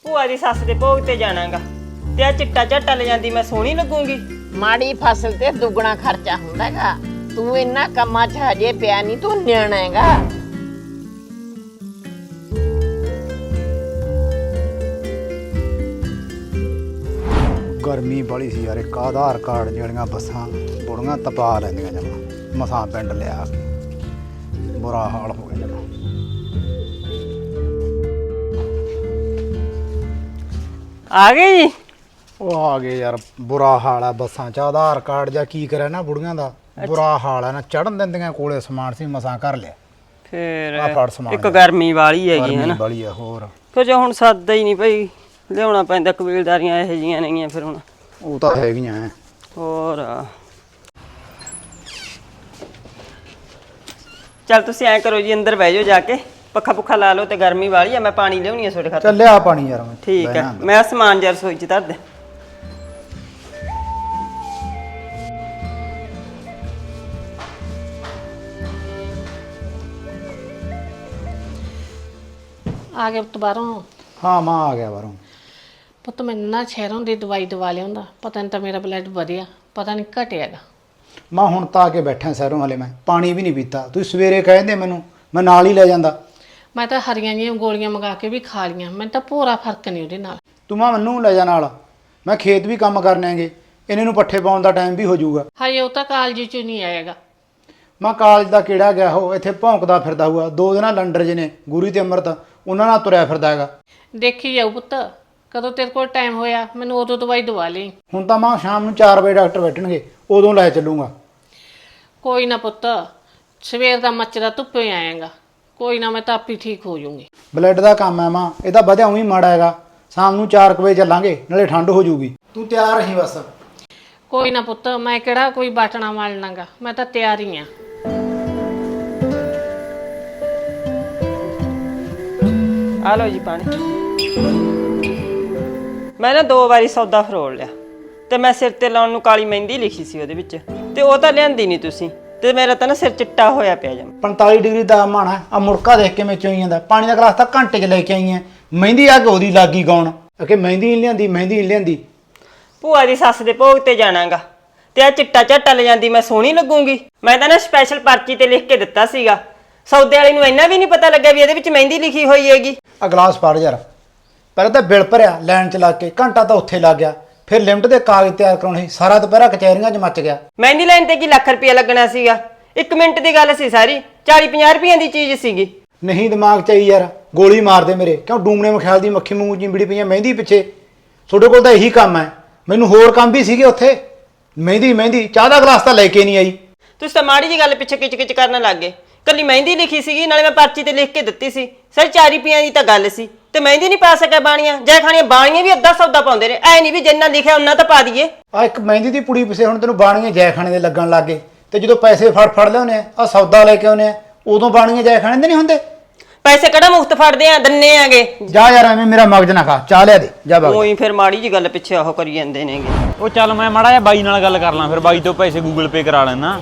ਭੂਆ ਦੀ ਸੱਸ ਦੇ ਭੋਗ ਤੇ ਜਾਣਾਗਾ ਤੇ ਆ ਚਿੱਟਾ ਝੱਟਾ ਲੈ ਜਾਂਦੀ ਮੈਂ ਸੋਹਣੀ ਲੱਗੂਗੀ। ਮਾੜੀ ਫਸਲ ਤੇ ਦੁੱਗਣਾ ਖਰਚਾ ਹੁੰਦਾ ਹੈਗਾ। ਤੂੰ ਇੰਨਾ ਕੰਮਾਂ 'ਚ ਹਜੇ ਪਿਆ ਨਹੀਂ, ਤੂੰ ਨਿਆਣਾ ਹੈਗਾ। ਗਰਮੀ ਬੜੀ ਸੀ ਯਾਰ। ਇੱਕ ਆਧਾਰ ਕਾਰਡ ਜਿਹੜੀਆਂ ਬੱਸਾਂ ਬੁੜੀਆਂ ਤਪਾ ਲੈਂਦੀਆਂ ਜਮਾ। ਮਸਾਂ ਪਿੰਡ ਲਿਆ ਕੇ ਬੁਰਾ ਹਾਲ ਹੋ ਗਿਆ ਜਮਾ। ਆ ਗਏ ਜੀ? ਉਹ ਆ ਗਏ ਯਾਰ। ਬੁਰਾ ਹਾਲ ਆ ਬੱਸਾਂ 'ਚ। ਆਧਾਰ ਕਾਰਡ ਜਾਂ ਕੀ ਕਰਿਆ ਨਾ ਬੁੜੀਆਂ ਦਾ। ਬੁਰਾ ਹਾਲ ਆ ਨਾ। ਚੜਨ ਦਿੰਦੀਆਂ ਕੋਲੇ ਸਮਾਨ ਸੀ ਮਸਾਂ ਕਰ ਲਿਆ। ਫੇਰ ਆ ਫੜ ਸਮਾਨ। ਇੱਕ ਗਰਮੀ ਵਾਲੀ ਹੈਗੀ ਹੈ ਨਾ। ਬੜੀ ਆ ਹੋਰ। ਕੁਝ ਹੁਣ ਸਰਦਾ ਹੀ ਨਹੀਂ ਭਈ, ਲਿਆਉਣਾ ਪੈਂਦਾ। ਕਬੀਲਦਾਰੀਆਂ ਇਹੋ ਜਿਹੀਆਂ ਨੇਗੀਆਂ ਫਿਰ ਹੁਣ। ਉਹ ਤਾਂ ਹੈਗੀਆਂ ਐ। ਹੋਰ ਚੱਲ ਤੁਸੀਂ ਐਂ ਕਰੋ ਜੀ, ਅੰਦਰ ਬਹਿ ਜਾਓ ਜਾ ਕੇ, ਪੱਖਾ ਪੁੱਖਾ ਲਾ ਲਓ ਤੇ ਗਰਮੀ ਵਾਲੀ ਆ। ਮੈਂ ਪਾਣੀ ਲਿਆਉਣੀ ਆ ਤੁਹਾਡੇ ਖਾਤਰ। ਚੱਲ ਲਿਆ ਪਾਣੀ ਯਾਰ। ਮੈਂ ਠੀਕ ਬਹਿਣਾ ਹੈ, ਅੰਦਰ। ਮੈਂ ਸਮਾਨ ਜਰ ਰਸੋਈ ਚ ਧਰ ਦੇ। ਆ ਗਿਆ ਪੁੱਤ ਬਾਹਰੋਂ? ਹਾਂ ਮਾਂ ਆ ਗਿਆ ਬਾਹਰੋਂ। ਪੁੱਤ ਮੈਨੂੰ ਨਾ ਸ਼ਹਿਰੋਂ ਦੀ ਦਵਾਈ ਦਵਾ ਲਿਆਉਂਦਾ। ਪਤਾ ਨਹੀਂ ਤਾਂ ਮੇਰਾ ਬਲੱਡ ਵਧਿਆ, ਪਤਾ ਨਹੀਂ ਘਟਿਆਗਾ। ਮਾਂ ਹੁਣ ਤਾਂ ਆ ਕੇ ਬੈਠਾ ਸ਼ਹਿਰੋਂ। ਹਲੇ ਮੈਂ ਪਾਣੀ ਵੀ ਨਹੀਂ ਪੀਤਾ। ਤੂੰ ਸਵੇਰੇ ਕਹਿੰਦੇ ਮੈਨੂੰ, ਮੈਂ ਨਾਲ ਹੀ ਲੈ ਜਾਂਦਾ। ਮੈਂ ਤਾਂ ਹਰੀਆਂ ਜਿਹੀਆਂ ਗੋਲੀਆਂ ਮੰਗਾ ਕੇ ਵੀ ਖਾ ਲੀਆਂ, ਮੈਨੂੰ ਤਾਂ ਭੋਰਾ ਫਰਕ ਨਹੀਂ ਉਹਦੇ ਨਾਲ। ਤੂੰ ਮਾਂ ਮੈਨੂੰ ਲੈ ਜਾ ਨਾਲ। ਮੈਂ ਖੇਤ ਵੀ ਕੰਮ ਕਰਨੇ ਆਂਗੇ। ਇਹਨਾਂ ਨੂੰ ਪੱਠੇ ਪਾਉਣ ਦਾ ਟਾਈਮ ਵੀ ਹੋ ਜਾਊਗਾ। ਹਾਏ ਉਹ ਤਾਂ ਕਾਲਜ ਚ ਨਹੀਂ ਆਏਗਾ। ਮੈਂ ਕਾਲਜ ਦਾ ਕਿਹੜਾ ਗਿਆ ਹੋ, ਇੱਥੇ ਭੌਂਕਦਾ ਫਿਰਦਾ ਹੋਊਗਾ। 2 ਦਿਨਾਂ ਲੰਡਰ ਜਿਹੇ ਨੇ ਗੁਰੀ ਤੇ ਅੰਮ੍ਰਿਤ, ਉਹਨਾਂ ਨਾਲ ਤੁਰਿਆ ਫਿਰਦਾ ਹੈਗਾ। ਦੇਖੀ ਜਾਊ ਪੁੱਤ, ਕਦੋਂ ਤੇਰੇ ਕੋਲ ਟਾਈਮ ਹੋਇਆ ਮੈਨੂੰ ਉਦੋਂ ਦਵਾਈ ਦਵਾ ਲਈ। ਹੁਣ ਤਾਂ ਮਾਂ ਸ਼ਾਮ ਨੂੰ 4 ਵਜੇ ਡਾਕਟਰ ਬੈਠਣਗੇ, ਉਦੋਂ ਲੈ ਚੱਲੂਗਾ। ਕੋਈ ਨਾ ਪੁੱਤ, ਸਵੇਰ ਦਾ ਮੱਚਦਾ ਧੁੱਪੇ ਆਏਗਾ। ਕੋਈ ਨਾ, ਮੈਂ ਤਾਂ ਆਪੇ ਠੀਕ ਹੋ ਜਾਊਂਗੀ। ਬਲੱਡ ਦਾ ਕੰਮ ਹੈ ਮਾਂ, ਇਹਦਾ ਵਧਿਆ ਹੀ ਮਾੜਾ ਹੈਗਾ। ਸ਼ਾਮ ਨੂੰ 4 ਵਜੇ ਚੱਲਾਂਗੇ, ਨਾਲੇ ਠੰਡ ਹੋ ਜਾਊਗੀ। ਤੂੰ ਤਿਆਰ ਰਹੀ ਬਸ। ਕੋਈ ਨਾ ਪੁੱਤ, ਮੈਂ ਕਿਹੜਾ ਕੋਈ ਬਾਟਣਾ ਮਾਲਣਾਗਾ, ਮੈਂ ਤਾਂ ਤਿਆਰ ਹੀ ਆ। ਆ ਲਓ ਜੀ ਪਾਣੀ। ਮੈਂ ਨਾ 2 ਵਾਰੀ ਸੌਦਾ ਫਰੋਲ ਲਿਆ ਤੇ ਮੈਂ ਸਿਰ ਤੇ ਲਾਉਣ ਨੂੰ ਕਾਲੀ ਮਹਿੰਦੀ ਲਿਖੀ ਸੀ ਉਹਦੇ ਵਿੱਚ, ਤੇ ਉਹ ਤਾਂ ਲਿਆਂਦੀ ਨਹੀਂ ਤੁਸੀਂ। ਤੇ ਮੇਰਾ ਤਾਂ ਨਾ ਸਿਰ ਚਿੱਟਾ ਹੋਇਆ ਪਿਆ ਜਮ। 45 ਡਿਗਰੀ ਦਾ ਮਾਣਾ ਆ। ਮੁੜਕਾ ਦੇਖ ਕੇ ਮੈਂ ਚੋਈ ਜਾਂਦਾ। ਪਾਣੀ ਦਾ ਗਲਾਸ ਤਾਂ ਘੰਟੇ 'ਚ ਲੈ ਕੇ ਆਈ ਐ। ਮਹਿੰਦੀ ਆ ਕੇ ਉਹਦੀ ਲੱਗੀ ਗਾਉਣ ਕਿ ਮਹਿੰਦੀ ਨਹੀਂ ਲਿਆਂਦੀ, ਮਹਿੰਦੀ ਨਹੀਂ ਲਿਆਂਦੀ। ਭੂਆ ਦੀ ਸੱਸ ਦੇ ਭੋਗ ਤੇ ਜਾਣਾਗਾ ਤੇ ਆ ਚਿੱਟਾ ਝੱਟਾ ਲੈ ਜਾਂਦੀ ਮੈਂ ਸੋਹਣੀ ਲੱਗੂਗੀ। ਮੈਂ ਤਾਂ ਨਾ ਸਪੈਸ਼ਲ ਪਰਚੀ ਤੇ ਲਿਖ ਕੇ ਦਿੱਤਾ ਸੀਗਾ। ਸੌਦੇ ਵਾਲੇ ਨੂੰ ਇੰਨਾ ਵੀ ਨਹੀਂ ਪਤਾ ਲੱਗਿਆ ਵੀ ਇਹਦੇ ਵਿੱਚ ਮਹਿੰਦੀ ਲਿਖੀ ਹੋਈ ਹੈਗੀ। ਆ ਗਲਾਸ ਫੜ ਯਾਰ। ਪਹਿਲਾਂ ਤਾਂ ਬਿਲ ਭਰਿਆ ਲਾਈਨ 'ਚ ਲੱਗ ਕੇ, ਘੰਟਾ ਤਾਂ ਉੱਥੇ ਲੱਗ ਗਿਆ। ਫਿਰ ਲਿਮਟ ਦੇ ਕਾਗਜ਼ ਤਿਆਰ ਕਰਾਉਣੇ ਸੀ। ਸਾਰਾ ਦੁਪਹਿਰਾ ਕਚਹਿਰੀਆਂ 'ਚ ਮੱਚ ਗਿਆ। ਮਹਿੰਦੀ ਲਾਈਨ ਤੇ ਕੀ ਲੱਖ ਰੁਪਇਆ ਲੱਗਣਾ ਸੀਗਾ? 1 ਮਿੰਟ ਦੀ ਗੱਲ ਸੀ ਸਾਰੀ। 40-50 ਰੁਪਈਆਂ ਦੀ ਚੀਜ਼ ਸੀਗੀ। ਨਹੀਂ ਦਿਮਾਗ 'ਚ ਆਈ ਯਾਰ, ਗੋਲੀ ਮਾਰ ਦੇ ਮੇਰੇ। ਕਿਉਂ ਡੂਮਣੇ ਮਖਿਆਲ ਦੀ ਮੱਖੀ ਮੂੰਹ ਚਿੰਬੜੀ ਪਈਆਂ ਮਹਿੰਦੀ ਪਿੱਛੇ। ਤੁਹਾਡੇ ਕੋਲ ਤਾਂ ਇਹੀ ਕੰਮ ਹੈ। ਮੈਨੂੰ ਹੋਰ ਕੰਮ ਵੀ ਸੀਗੇ ਉੱਥੇ। ਮਹਿੰਦੀ ਚਾਹ ਦਾ ਗਲਾਸ ਤਾਂ ਲੈ ਕੇ ਨਹੀਂ ਆਈ। ਤੁਸੀਂ ਤਾਂ ਮਾੜੀ ਜੀ ਗੱਲ ਪਿੱਛੇ ਕਿਚ-ਕਿਚ ਕਰਨ ਲੱਗ ਗਏ। ਕੱਲੀ ਮਹਿੰਦੀ ਲਿਖੀ ਸੀਗੀ, ਨਾਲੇ ਮੈਂ ਪਰਚੀ ਤੇ ਲਿਖ ਕੇ ਦਿੱਤੀ ਸੀ। ਸਰ 4 ਰੁਪਈਆਂ ਦੀ ਤਾਂ ਗੱਲ ਸੀ ਤੇ ਮਹਿੰਦੀ ਨਹੀਂ ਪਾ ਸਕਿਆ ਬਾਣੀਆਂ। ਜੈ ਖਾਣੀਆਂ ਬਾਣੀਆਂ ਵੀ ਅੱਧਾ ਸੌਦਾ ਪਾਉਂਦੇ ਨੇ। ਐ ਨਹੀਂ ਵੀ ਜਿੰਨਾ ਲਿਖਿਆ ਉਹਨਾਂ ਤਾਂ ਪਾ ਦਈਏ। ਆ ਇੱਕ ਮਹਿੰਦੀ ਦੀ ਪੁੜੀ ਪਿੱਛੇ ਹੁਣ ਤੈਨੂੰ ਬਾਣੀਆਂ ਜੈ ਖਾਣੇ ਦੇ ਲੱਗਣ ਲੱਗ ਗਏ। ਤੇ ਜਦੋਂ ਪੈਸੇ ਫੜ ਲਿਆਉਂਦੇ ਆ ਸੌਦਾ ਲੈ ਕੇ ਆਉਂਦੇ ਆ, ਉਦੋਂ ਬਾਣੀਆਂ ਜੈ ਖਾਣੇ ਦੇ ਨਹੀਂ ਹੁੰਦੇ। ਪੈਸੇ ਕਿਹੜਾ ਮੁਫਤ ਫੜਦੇ ਆ, ਦੰਨੇ ਆਗੇ। ਜਾ ਯਾਰ ਐਵੇਂ ਮੇਰਾ ਮਗਜ ਨਾ ਖਾ। ਚਾਹ ਲਿਆ ਦੇ ਜਾ ਬਾਬਾ। ਉਹੀ ਫਿਰ ਮਾੜੀ ਜੀ ਗੱਲ ਪਿੱਛੇ ਉਹ ਕਰੀ ਜਾਂਦੇ ਨੇਗੇ। ਉਹ ਚੱਲ ਮੈਂ ਮਾੜਾ ਜਿਹਾ ਬਾਈ ਨਾਲ ਗੱਲ ਕਰ ਲਾਂ, ਫਿਰ ਬਾਈ ਤੋਂ ਪੈਸੇ ਗੂਗਲ ਪੇ ਕਰਾ ਲੈਣਾ।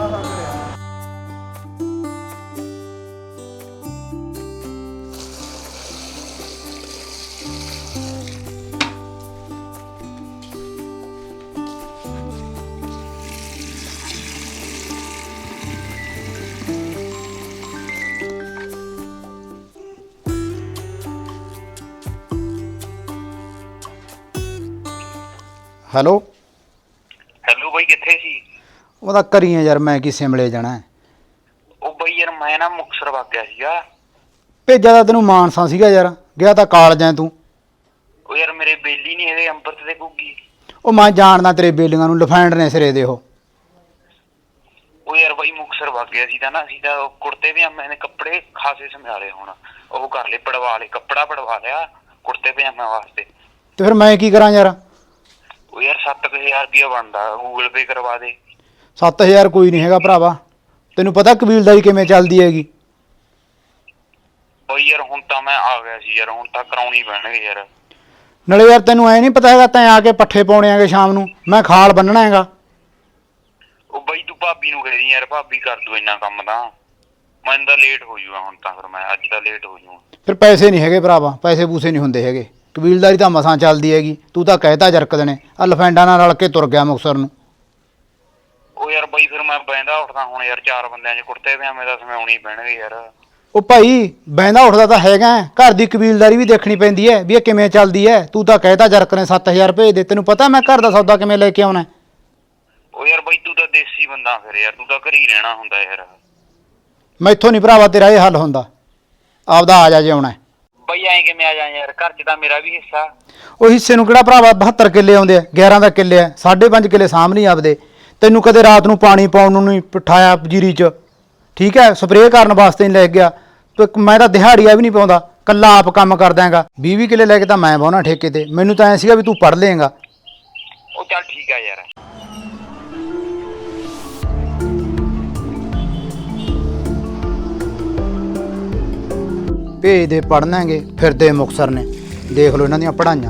ਹੈਲੋ ਬਾਈ ਕਿੱਥੇ ਸੀ? ਉਹਦਾ ਕਰੀਏ ਯਾਰ, ਮੈਂ ਕੀ ਸਿਮਲੇ ਜਾਣਾ। ਉਹ ਬਾਈ ਯਾਰ ਮੈਂ ਨਾ ਮੁਕਤਸਰ ਵਗ ਗਿਆ ਸੀਗਾ। ਭੇਜਿਆ ਤਾਂ ਤੈਨੂੰ ਮਾਨਸਾ ਸੀਗਾ ਯਾਰ, ਗਿਆ ਤਾਂ ਕਾਲਜ ਐ ਤੂੰ। ਉਹ ਯਾਰ ਮੇਰੇ ਬੇਲੀ ਨਹੀਂ ਹੈਗੇ ਅੰਮ੍ਰਿਤ ਤੇ ਗੁੱਗੀ। ਉਹ ਮੈਂ ਜਾਣਦਾ ਤੇਰੇ ਬੇਲੀਆਂ ਨੂੰ, ਲਫੈਂਡ ਨੇ ਸਿਰੇ ਦੇ ਉਹ ਯਾਰ ਬਾਈ ਮੁਕਤਸਰ ਵਗ ਗਿਆ ਸੀ ਤਾਂ ਨਾ, ਅਸੀਂ ਤਾਂ ਕੁੜਤੇ ਪਜਾਮੇ ਦੇ ਕੱਪੜੇ ਖਾਸੇ ਸਮਿਆਲੇ। ਹੁਣ ਉਹ ਕਰ ਲਏ, ਪੜਵਾ ਲਏ, ਕੱਪੜਾ ਪੜਵਾ ਲਿਆ ਕੁੜਤੇ ਪਜਾਮਿਆਂ ਵਾਸਤੇ। ਤੇ ਫਿਰ ਮੈਂ ਕੀ ਕਰਾਂ ਯਾਰ? ਉਹ ਯਾਰ 7000 ਰੁਪਇਆ ਬਣਦਾ, ਗੂਗਲ ਪੇ ਕਰਵਾ ਦੇ। 7000 ਕੋਈ ਨਹੀਂ ਹੈਗਾ ਭਰਾਵਾ। ਤੈਨੂੰ ਪਤਾ ਕਬੀਲਦਾਰੀ ਕਿਵੇਂ ਚੱਲਦੀ ਹੈਗੀ। ਬਾਈ ਯਾਰ ਹੁਣ ਤਾਂ ਮੈਂ ਆ ਗਿਆ ਸੀ ਯਾਰ, ਹੁਣ ਤਾਂ ਕਰਾਉਣੀ ਪੈਣਗੇ ਯਾਰ। ਨਾਲੇ ਯਾਰ ਤੈਨੂੰ ਐ ਨਹੀਂ ਪਤਾ ਹੈਗਾ, ਤੈਂ ਆ ਕੇ ਪੱਠੇ ਪਾਉਣੇ ਆਗੇ ਸ਼ਾਮ ਨੂੰ, ਮੈਂ ਖਾਲ ਬੰਨਣਾ ਹੈਗਾ। ਉਹ ਬਾਈ ਤੂੰ ਭਾਬੀ ਨੂੰ ਕਹਿ ਦੀ ਯਾਰ, ਭਾਬੀ ਕਰ ਦੂ ਇੰਨਾ ਕੰਮ ਤਾਂ। ਮੈਨੂੰ ਤਾਂ ਲੇਟ ਹੋ ਜੂਗਾ ਹੁਣ ਤਾਂ, ਫਿਰ ਮੈਂ ਅੱਜ ਤਾਂ ਲੇਟ ਹੋ ਜੂਗਾ। ਫਿਰ ਪੈਸੇ ਨਹੀਂ ਹੈਗੇ ਭਰਾਵਾ, ਪੈਸੇ ਪੂਸੇ ਨਹੀਂ ਹੁੰਦੇ ਹੈਗੇ। ਕਬੀਲਦਾਰੀ ਤਾਂ ਮਸਾਂ ਚੱਲਦੀ ਹੈਗੀ, ਤੂੰ ਤਾਂ ਕਹਿਤਾ ਜਰਕਦ ਨੇ ਆ ਲਫੈਂਡਾ ਨਾਲ ਰਲ ਕੇ ਤੁਰ ਗਿਆ ਮੁਕਤਸਰ ਨੂੰ। ਉਹ ਯਾਰ ਬਾਈ ਫਿਰ ਮੈਂ ਬਹਿੰਦਾ ਉੱਠਦਾ ਹੁਣ ਯਾਰ 4 ਬੰਦਿਆਂ 'ਚ ਕੁੜਤੇ ਪਜਾਮੇ ਦਾ ਸਮਿਆਉਣੀ ਪੈਣਗੇ ਯਾਰ। ਉਹ ਭਾਈ ਬਹਿੰਦਾ ਉੱਠਦਾ ਤਾਂ ਹੈਗਾ, ਘਰ ਦੀ ਕਬੀਲਦਾਰੀ ਵੀ ਦੇਖਣੀ ਪੈਂਦੀ ਹੈ ਵੀ ਇਹ ਕਿਵੇਂ ਚੱਲਦੀ ਹੈ। ਤੂੰ ਤਾਂ ਕਹਿਤਾ ਜਰਕ ਨੇ 7000 ਭੇਜ ਦੇ, ਤੈਨੂੰ ਪਤਾ ਮੈਂ ਘਰ ਦਾ ਸੌਦਾ ਕਿਵੇਂ ਲੈ ਕੇ ਆਉਣਾ। ਉਹ ਯਾਰ ਬਾਈ ਤੂੰ ਤਾਂ ਦੇਸੀ ਬੰਦਾ ਫਿਰ ਯਾਰ, ਤੂੰ ਤਾਂ ਘਰ ਹੀ ਰਹਿਣਾ ਹੁੰਦਾ ਯਾਰ। ਮੈਥੋਂ ਨਹੀਂ ਭਰਾਵਾ ਤੇਰਾ ਇਹ ਹੱਲ ਹੁੰਦਾ, ਆਪਦਾ ਆ ਜਾ ਜੇ ਆਉਣਾ। ਬਾਈ ਐਂ ਕਿਵੇਂ ਆ ਜਾ ਯਾਰ, ਘਰ 'ਚ ਤਾਂ ਮੇਰਾ ਵੀ ਹਿੱਸਾ। ਉਹ ਹਿੱਸੇ ਨੂੰ ਕਿਹੜਾ ਭਰਾਵਾ 72 ਕਿੱਲੇ ਆਉਂਦੇ ਆ, 11 ਦਾ ਕਿੱਲੇ ਆ, 5.5 ਕਿੱਲੇ ਸਾਂਭ ਨਹੀਂ ਆਪਦੇ। ਤੈਨੂੰ ਕਦੇ ਰਾਤ ਨੂੰ ਪਾਣੀ ਪਾਉਣ ਨੂੰ ਨਹੀਂ ਪਠਾਇਆ ਜੀਰੀ 'ਚ, ਠੀਕ ਹੈ, ਸਪਰੇਅ ਕਰਨ ਵਾਸਤੇ ਨਹੀਂ ਲੈ ਗਿਆ। ਮੈਂ ਤਾਂ ਦਿਹਾੜੀਆ ਵੀ ਨਹੀਂ ਪਾਉਂਦਾ, ਕੱਲਾ ਆਪ ਕੰਮ ਕਰਦਾ ਹੈਗਾ। 20 ਕਿੱਲੇ ਲੈ ਕੇ ਤਾਂ ਮੈਂ ਵਾਹੁਣਾ ਠੇਕੇ ਤੇ। ਮੈਨੂੰ ਤਾਂ ਐਂ ਸੀਗਾ ਵੀ ਤੂੰ ਪੜ੍ਹ ਲਏਗਾ। ਉਹ ਚੱਲ ਠੀਕ ਆ ਯਾਰ। ਭੇਜ ਦੇ ਪੜ੍ਹਨਾਂਗੇ, ਫਿਰਦੇ ਮੁਕਤਸਰ ਨੇ, ਦੇਖ ਲਓ ਇਹਨਾਂ ਦੀਆਂ ਪੜ੍ਹਾਈਆਂ।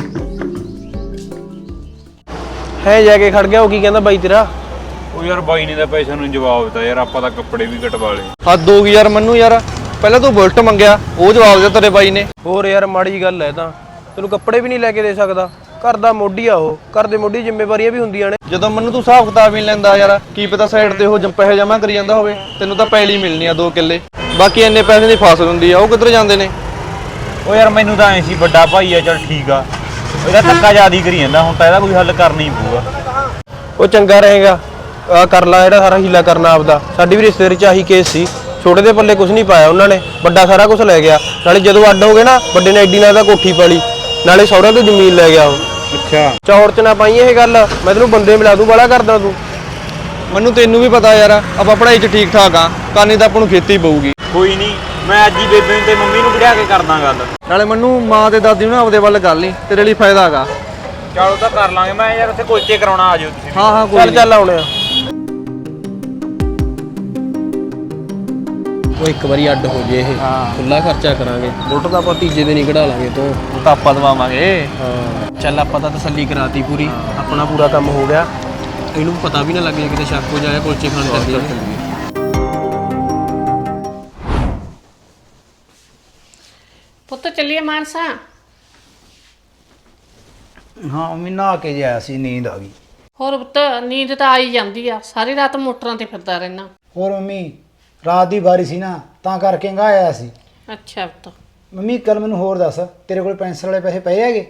ਹੈ ਜਾ ਕੇ ਖੜ ਗਿਆ। ਉਹ ਕੀ ਕਹਿੰਦਾ ਬਾਈ ਤੇਰਾ? ਉਹ ਯਾਰ ਬਾਈ ਨੇ ਤਾਂ ਪੈਸਿਆਂ ਨੂੰ ਜਵਾਬ ਦਿੱਤਾ ਯਾਰ, ਆਪਾਂ ਤਾਂ ਕੱਪੜੇ ਵੀ ਕਟਵਾ ਲਏ। ਹੱਦ ਹੋ ਗਈ ਯਾਰ ਮੰਨੂ ਯਾਰ, ਪਹਿਲਾਂ ਤੂੰ ਬੁਲਟ ਮੰਗਿਆ, ਉਹ ਜਵਾਬ ਦਿੱਤਾ ਤੇਰੇ ਬਾਈ ਨੇ। ਹੋਰ ਯਾਰ ਮਾੜੀ ਗੱਲ ਹੈ ਤਾਂ, ਤੈਨੂੰ ਕੱਪੜੇ ਵੀ ਨਹੀਂ ਲੈ ਕੇ ਦੇ ਸਕਦਾ। ਘਰ ਦਾ ਮੋਢੀ ਆ ਉਹ, ਘਰ ਦੇ ਮੋਢੀ ਜ਼ਿੰਮੇਵਾਰੀਆਂ ਵੀ ਹੁੰਦੀਆਂ ਨੇ। ਜਦੋਂ ਮੈਨੂੰ ਤੂੰ ਹਿਸਾਬ ਕਿਤਾਬ ਹੀ ਲੈਂਦਾ ਯਾਰ, ਕੀ ਪਤਾ ਸਾਈਡ ਤੇ ਉਹ ਪੈਸੇ ਜਮ੍ਹਾਂ ਕਰੀ ਜਾਂਦਾ ਹੋਵੇ। ਤੈਨੂੰ ਤਾਂ ਪੈਲੀ ਮਿਲਣੀ ਆ 2 ਕਿੱਲੇ, ਬਾਕੀ ਇੰਨੇ ਪੈਸੇ ਦੀ ਫਸਲ ਹੁੰਦੀ ਆ, ਉਹ ਕਿੱਧਰ ਜਾਂਦੇ ਨੇ? ਉਹ ਯਾਰ ਮੈਨੂੰ ਤਾਂ ਐਂ ਸੀ ਵੱਡਾ ਭਾਈ ਆ, ਚੱਲ ਠੀਕ ਆ, ਇਹਦਾ ਧੱਕਾ ਜ਼ਿਆਦਾ ਕਰੀ ਜਾਂਦਾ, ਹੁਣ ਤਾਂ ਇਹਦਾ ਕੋਈ ਹੱਲ ਕਰਨਾ ਹੀ ਪਊਗਾ। ਉਹ ਚੰਗਾ ਰਹੇਗਾ, ਆ ਕਰ ਲਾ ਜਿਹੜਾ ਸਾਰਾ ਹੀਲਾ ਕਰਨਾ ਆਪਦਾ। ਸਾਡੀ ਵੀ ਰਿਸ਼ਤੇਦਾਰੀ ਚ ਆਹੀ ਕੇਸ ਸੀ, ਛੋਟੇ ਦੇ ਪੱਲੇ ਕੁਝ ਨਹੀਂ ਪਾਇਆ ਉਹਨਾਂ ਨੇ, ਵੱਡਾ ਸਾਰਾ ਕੁਝ ਲੈ ਗਿਆ। ਨਾਲੇ ਜਦੋਂ ਅੱਡ ਹੋ ਗਏ ਨਾ, ਵੱਡੇ ਨੇ ਐਡੀ ਨਾਲ ਦਾ ਕੋਠੀ ਪਾਲੀ, ਨਾਲੇ ਸਹੁਰਿਆਂ ਤੋਂ ਜ਼ਮੀਨ ਲੈ ਗਿਆ ਉਹ। ਅੱਛਾ ਚੌੜ ਚ ਨਾ ਪਾਈ ਇਹ ਗੱਲ, ਮੈਂ ਤੈਨੂੰ ਬੰਦੇ ਮਿਲਾ ਦੂੰ, ਬੜਾ ਕਰਦਾ ਤੂੰ। ਮੈਨੂੰ ਤੈਨੂੰ ਵੀ ਪਤਾ ਯਾਰ, ਆਪਾਂ ਪੜ੍ਹਾਈ ਚ ਠੀਕ ਠਾਕ ਆ, ਕਰਨੀ ਤਾਂ ਆਪਾਂ ਨੂੰ ਖੇਤੀ ਪਊਗੀ। ਕੋਈ ਨਹੀਂ, ਮੈਂ ਅੱਜ ਹੀ ਬੇਬੇ ਨੂੰ ਤੇ ਮੰਮੀ ਨੂੰ ਬਿਠਾ ਕੇ ਕਰਦਾ ਗੱਲ। ਨਾਲੇ ਮੈਨੂੰ ਮਾਂ ਤੇ ਦਾਦੀ ਨੂੰ ਆਪਦੇ ਵੱਲ ਕਰ ਲਈ, ਤੇਰੇ ਲਈ ਫਾਇਦਾ ਹੈਗਾ। ਚਲੋ ਤਾਂ ਕਰ ਲਾਂਗੇ, ਮੈਂ ਯਾਰ ਉੱਥੇ ਕੁਲਚੇ ਕਰਾਉਣਾ, ਆ ਜਾਓ ਤੁਸੀਂ। ਹਾਂ ਕੋਈ ਚੱਲ ਆਉਣੇ ਆ। ਉਹ ਇੱਕ ਵਾਰੀ ਅੱਡ ਹੋ ਜੇ ਇਹ, ਖੁੱਲਾ ਖਰਚਾ ਕਰਾਂਗੇ। ਬੁਲਟ ਤਾਂ ਆਪਾਂ ਤੀਜੇ ਦਿਨ ਹੀ ਕਢਾ ਲਾਂਗੇ ਤੋਂ, ਉਹ ਤਾਂ ਆਪਾਂ ਦਵਾਵਾਂਗੇ। ਹਾਂ ਚੱਲ ਆਪਾਂ ਤਾਂ ਤਸੱਲੀ ਕਰਾਤੀ ਪੂਰੀ, ਆਪਣਾ ਪੂਰਾ ਕੰਮ ਹੋ ਗਿਆ। ਇਹਨੂੰ ਪਤਾ ਵੀ ਨਾ ਲੱਗੇ ਕਿਤੇ ਸ਼ੱਕ ਹੋ ਜਾਏ ਕੁਲਚੇ ਖਾਣ ਚੱਲਦੇ। ਪੁੱਤ ਚੱਲੀਏ ਮਾਨਸਾ। ਹਾਂ ਮੰਮੀ ਨਹਾ ਕੇ ਜੇ ਆਇਆ ਸੀ, ਨੀਂਦ ਆ ਗਈ। ਹੋਰ ਪੁੱਤ ਨੀਂਦ ਤਾਂ ਆਈ ਜਾਂਦੀ ਆ, ਸਾਰੀ ਰਾਤ ਮੋਟਰਾਂ ਤੇ ਫਿਰਦਾ ਰਹਿਣਾ। ਹੋਰ ਮੰਮੀ ਰਾਤ ਦੀ ਵਾਰੀ ਸੀ ਨਾ, ਤਾਂ ਕਰਕੇ ਗਾ ਆਇਆ ਸੀ। ਅੱਛਾ ਪੁੱਤ। ਮੰਮੀ ਕੱਲ ਮੈਨੂੰ ਹੋਰ ਦੱਸ, ਤੇਰੇ ਕੋਲ ਪੈਨਸ਼ਨ ਵਾਲੇ ਪੈਸੇ ਪਏ ਹੈਗੇ?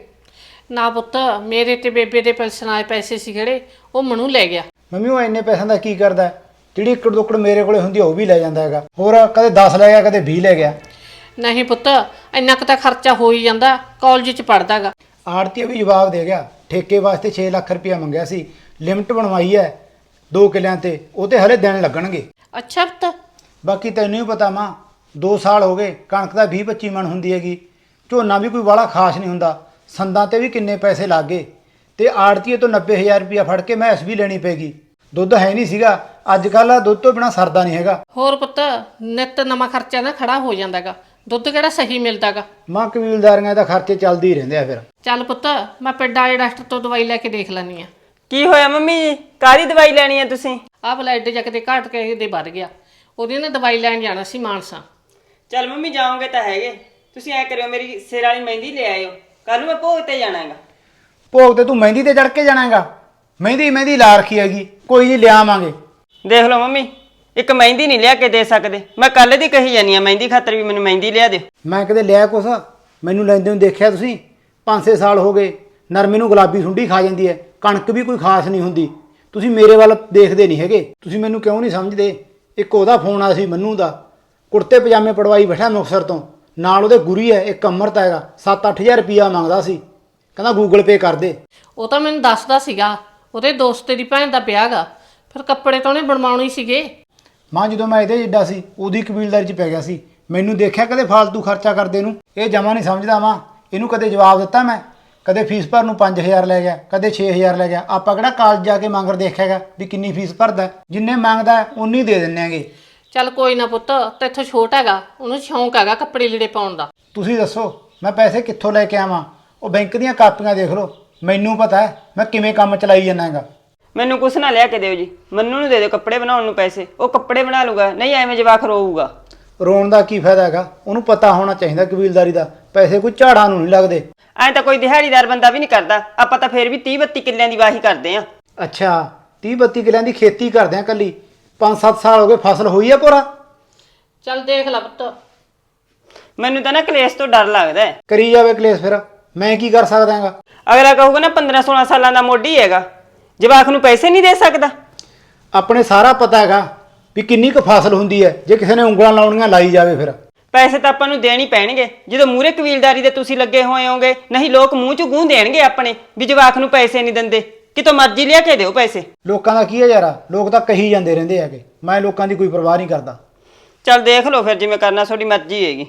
ਨਾ ਪੁੱਤ, ਮੇਰੇ ਤੇ ਬੇਬੇ ਦੇ ਪੈਨਸ਼ਨ ਆਏ ਪੈਸੇ ਸੀ ਜਿਹੜੇ, ਉਹ ਮਨੂ ਲੈ ਗਿਆ। ਮੰਮੀ ਉਹ ਇੰਨੇ ਪੈਸਿਆਂ ਦਾ ਕੀ ਕਰਦਾ ਹੈ? ਜਿਹੜੀ ਏਕੜ ਦੋਕੜ ਮੇਰੇ ਕੋਲੇ ਹੁੰਦੀ ਉਹ ਵੀ ਲੈ ਜਾਂਦਾ ਹੈਗਾ। ਹੋਰ ਕਦੇ 10 ਲੈ ਗਿਆ, ਕਦੇ 20 ਲੈ ਗਿਆ। ਨਹੀਂ ਪੁੱਤ, ਇੰਨਾ ਕੁ ਤਾਂ ਖਰਚਾ ਹੋ ਹੀ ਜਾਂਦਾ, ਕਾਲਜ 'ਚ ਪੜ੍ਹਦਾਗਾ। ਆੜਤੀ ਵੀ ਜਵਾਬ ਦੇ ਗਿਆ, ਠੇਕੇ ਵਾਸਤੇ 6 ਲੱਖ ਰੁਪਇਆ ਮੰਗਿਆ ਸੀ, ਲਿਮਟ ਬਣਵਾਈ ਹੈ 2 ਕਿੱਲਿਆਂ ਤੇ, ਉਹ ਤੇ ਹਲੇ ਦਿਨ ਲੱਗਣਗੇ। ਅੱਛਾ ਪੁੱਤ। ਬਾਕੀ ਤੈਨੂੰ ਹੀ ਪਤਾ ਮਾਂ, 2 ਸਾਲ ਹੋ ਗਏ, ਕਣਕ ਦਾ 20-25 ਮਣ ਹੁੰਦੀ ਹੈਗੀ, ਝੋਨਾ ਵੀ ਕੋਈ ਵਾਲਾ ਖਾਸ ਨਹੀਂ ਹੁੰਦਾ, ਸੰਦਾਂ ਤੇ ਵੀ ਕਿੰਨੇ ਪੈਸੇ ਲੱਗ ਗਏ, ਤੇ ਆੜਤੀਏ ਤੋਂ 90,000 ਰੁਪਇਆ ਫੜ ਕੇ ਮੈਸ ਵੀ ਲੈਣੀ ਪੈਗੀ। ਦੁੱਧ ਹੈ ਨਹੀਂ ਸੀਗਾ, ਅੱਜ ਕੱਲ੍ਹ ਦੁੱਧ ਤੋਂ ਬਿਨਾ ਸਰਦਾ ਨਹੀਂ ਹੈਗਾ। ਹੋਰ ਪੁੱਤ, ਨਿੱਤ ਨਵਾਂ ਖਰਚਾ ਨਾ ਖੜਾ ਹੋ ਜਾਂਦਾਗਾ, ਦੁੱਧ ਕਿਹੜਾ ਸਹੀ ਮਿਲਦਾਗਾ। ਮਾਂ ਕਬੀਲਦਾਰੀਆਂ ਦਾ ਖਰਚੇ ਚੱਲਦੇ ਹੀ ਰਹਿੰਦੇ ਆ ਫਿਰ। ਚੱਲ ਪੁੱਤ, ਮੈਂ ਪਿੰਡ ਵਾਲੇ ਡਾਕਟਰ ਤੋਂ ਦਵਾਈ ਲੈ ਕੇ ਦੇਖ ਲੈਣੀ ਆ। ਕੀ ਹੋਇਆ ਮੰਮੀ ਜੀ, ਕਾਹਦੀ ਦਵਾਈ ਲੈਣੀ ਹੈ ਤੁਸੀਂ? ਆਹ ਬਲੱਡ ਜਾ ਕੇ ਘਟ ਕੇ ਦੇ ਵੱਧ ਗਿਆ, ਉਹਦੀ ਨਾ ਦਵਾਈ ਲੈਣ ਜਾਣਾ ਸੀ ਮਾਨਸਾ। ਚੱਲ ਮੰਮੀ ਜਾਓਗੇ ਤਾਂ ਹੈਗੇ, ਤੁਸੀਂ ਐ ਕਰਿਓ ਮੇਰੀ ਸਿਰ ਵਾਲੀ ਮਹਿੰਦੀ ਲੈ ਆਇਓ, ਕੱਲ ਨੂੰ ਮੈਂ ਭੋਗ ਤੇ ਜਾਣਾ ਹੈਗਾ। ਭੋਗ ਤੇ ਤੂੰ ਮਹਿੰਦੀ ਤੇ ਚੜ ਕੇ ਜਾਣਾ ਹੈਗਾ? ਮਹਿੰਦੀ ਲਾ ਰੱਖੀ ਹੈਗੀ, ਕੋਈ ਨਹੀਂ ਲਿਆਵਾਂਗੇ। ਦੇਖ ਲਓ ਮੰਮੀ, ਇੱਕ ਮਹਿੰਦੀ ਨਹੀਂ ਲਿਆ ਕੇ ਦੇ ਸਕਦੇ, ਮੈਂ ਕੱਲ ਦੀ ਕਹੀ ਜਾਨੀ ਆ ਮਹਿੰਦੀ ਖਾਤਰ ਵੀ ਮੈਨੂੰ ਮਹਿੰਦੀ ਲਿਆ ਦਿਓ। ਮੈਂ ਕਦੇ ਲਿਆ ਕੁਛ? ਮੈਨੂੰ ਲੈਂਦੇ ਨੂੰ ਦੇਖਿਆ ਤੁਸੀਂ? 5-6 ਸਾਲ ਹੋ ਗਏ, ਨਰਮੇ ਨੂੰ ਗੁਲਾਬੀ ਸੁੰਡੀ ਖਾ ਜਾਂਦੀ ਹੈ, ਕਣਕ ਵੀ ਕੋਈ ਖਾਸ ਨਹੀਂ ਹੁੰਦੀ। ਤੁਸੀਂ ਮੇਰੇ ਵੱਲ ਦੇਖਦੇ ਨਹੀਂ ਹੈਗੇ, ਤੁਸੀਂ ਮੈਨੂੰ ਕਿਉਂ ਨਹੀਂ ਸਮਝਦੇ? ਇੱਕ ਉਹਦਾ ਫੋਨ ਆਇਆ ਸੀ ਮੰਨੂ ਦਾ, ਕੁੜਤੇ ਪਜਾਮੇ ਪੜਵਾਈ ਬੈਠਾ ਮੁਕਤਸਰ ਤੋਂ, ਨਾਲ ਉਹਦੇ ਗੁਰੀ ਹੈ ਇੱਕ ਅਮਰਤ ਹੈਗਾ, 7-8 ਹਜ਼ਾਰ ਰੁਪਇਆ ਮੰਗਦਾ ਸੀ, ਕਹਿੰਦਾ ਗੂਗਲ ਪੇ ਕਰ ਦੇ। ਉਹ ਤਾਂ ਮੈਨੂੰ ਦੱਸਦਾ ਸੀਗਾ, ਉਹਦੇ ਦੋਸਤ ਦੀ ਭੈਣ ਦਾ ਵਿਆਹ ਗਾ, ਫਿਰ ਕੱਪੜੇ ਤਾਂ ਉਹਨੇ ਬਣਵਾਉਣੇ ਸੀਗੇ। ਮਾਂ ਜਦੋਂ ਮੈਂ ਇਹਦੇ ਜਿੱਡਾ ਸੀ, ਉਹਦੀ ਕਬੀਲਦਾਰੀ 'ਚ ਪੈ ਗਿਆ ਸੀ, ਮੈਨੂੰ ਦੇਖਿਆ ਕਦੇ ਫਾਲਤੂ ਖਰਚਾ ਕਰਦੇ ਨੂੰ? ਇਹ ਜਮਾ ਨਹੀਂ ਸਮਝਦਾ ਮਾਂ, ਇਹਨੂੰ ਕਦੇ ਜਵਾਬ ਦਿੱਤਾ ਮੈਂ? ਕਦੇ ਫੀਸ ਭਰਨ ਨੂੰ 5000 ਲੈ ਗਿਆ, ਕਦੇ 6000 ਲੈ ਗਿਆ। ਆਪਾਂ ਕਿਹੜਾ ਕਾਲਜ ਜਾ ਕੇ ਮੰਗਰ ਦੇਖਿਆਗਾ ਵੀ ਕਿੰਨੀ ਫੀਸ ਭਰਦਾ? ਜਿੰਨੇ ਮੰਗਦਾ ਉਨੀ ਦੇ ਦਿੰਨੇ ਆਂਗੇ। ਚੱਲ ਕੋਈ ਨਾ ਪੁੱਤ, ਤੇਥੋਂ ਛੋਟ ਹੈਗਾ, ਉਹਨੂੰ ਸ਼ੌਂਕ ਹੈਗਾ ਕੱਪੜੇ ਲੀੜੇ ਪਾਉਣ ਦਾ। ਤੁਸੀਂ ਦੱਸੋ ਮੈਂ ਪੈਸੇ ਕਿੱਥੋਂ ਲੈ ਕੇ ਆਵਾਂ? ਉਹ ਬੈਂਕ ਦੀਆਂ ਕਾਪੀਆਂ ਦੇਖ ਲਓ, ਮੈਨੂੰ ਪਤਾ ਹੈ ਮੈਂ ਕਿਵੇਂ ਕੰਮ ਚਲਾਈ ਜਾਂਦਾ ਹੈਗਾ। ਮੈਨੂੰ ਕੁਛ ਨਾ ਲਿਆ ਕੇ ਦਿਓ ਜੀ, ਮੰਨੂ ਨੂੰ ਦੇ ਦਿਓ ਕੱਪੜੇ ਬਣਾਉਣ ਨੂੰ ਪੈਸੇ, ਉਹ ਕੱਪੜੇ ਬਣਾ ਲੂਗਾ, ਨਹੀਂ ਐਵੇਂ ਜਵਾਕ ਰੋਊਗਾ। ਰੋਣ ਦਾ ਕੀ ਫਾਇਦਾ ਹੈਗਾ? ਉਹਨੂੰ ਪਤਾ ਹੋਣਾ ਚਾਹੀਦਾ ਕਬੀਲਦਾਰੀ ਦਾ, ਪੈਸੇ ਕੋਈ ਝਾੜਾਂ ਨੂੰ ਨਹੀਂ ਲੱਗਦੇ। ਐਂ ਤਾਂ ਕੋਈ ਦਿਹਾੜੀਦਾਰ ਬੰਦਾ ਵੀ ਨਹੀਂ ਕਰਦਾ, ਆਪਾਂ ਤਾਂ ਫੇਰ ਵੀ 30-32 ਕਿੱਲਿਆਂ ਦੀ ਵਾਹੀ ਕਰਦੇ ਆ। ਅੱਛਾ 30-32 ਕਿੱਲਿਆਂ ਦੀ ਖੇਤੀ ਕਰਦੇ ਆ ਕੱਲੀ, 5-7 ਸਾਲ ਹੋ ਗਏ ਫਸਲ ਹੋਈ ਆ ਪੂਰਾ? ਚੱਲ ਦੇਖ ਲੈ ਪੁੱਤ। ਮੈਨੂੰ ਤਾਂ ਨਾ ਕਲੇਸ਼ ਤੋਂ ਡਰ ਲੱਗਦਾ ਹੈ। ਕਰੀ ਜਾਵੇ ਕਲੇਸ਼, ਫਿਰ ਮੈਂ ਕੀ ਕਰ ਸਕਦਾ ਹੈਗਾ? ਅਗਲਾ ਕਹੂਗਾ ਨਾ 15-16 ਸਾਲਾਂ ਦਾ ਮੋਢੀ ਹੈਗਾ, ਜਵਾਕ ਨੂੰ ਪੈਸੇ ਨਹੀਂ ਦੇ ਸਕਦਾ। ਆਪਣੇ ਸਾਰਾ ਪਤਾ ਹੈਗਾ ਵੀ ਕਿੰਨੀ ਕੁ ਫਸਲ ਹੁੰਦੀ ਹੈ, ਜੇ ਕਿਸੇ ਨੇ ਉਂਗਲਾਂ ਲਾਉਣੀਆਂ ਲਾਈ ਜਾਵੇ ਫਿਰ। ਪੈਸੇ ਤਾਂ ਆਪਾਂ ਨੂੰ ਦੇਣ ਹੀ ਪੈਣਗੇ, ਜਦੋਂ ਮੂਹਰੇ ਕਬੀਲਦਾਰੀ ਦੇ ਤੁਸੀਂ ਲੱਗੇ ਹੋਏ ਹੋਗੇ, ਨਹੀਂ ਲੋਕ ਮੂੰਹ 'ਚ ਗੂੰ ਦੇਣਗੇ ਆਪਣੇ ਵੀ ਜਵਾਕ ਨੂੰ ਪੈਸੇ ਨਹੀਂ ਦਿੰਦੇ, ਕਿਤੋਂ ਮਰਜ਼ੀ ਲਿਆ ਕੇ ਦਿਓ ਪੈਸੇ। ਲੋਕਾਂ ਦਾ ਕੀ ਹੈ ਯਾਰਾ, ਲੋਕ ਤਾਂ ਕਹੀ ਜਾਂਦੇ ਰਹਿੰਦੇ ਹੈਗੇ, ਮੈਂ ਲੋਕਾਂ ਦੀ ਕੋਈ ਪਰਵਾਹ ਨਹੀਂ ਕਰਦਾ। ਚੱਲ ਦੇਖ ਲਓ ਫਿਰ, ਜਿਵੇਂ ਕਰਨਾ ਤੁਹਾਡੀ ਮਰਜ਼ੀ ਹੈਗੀ।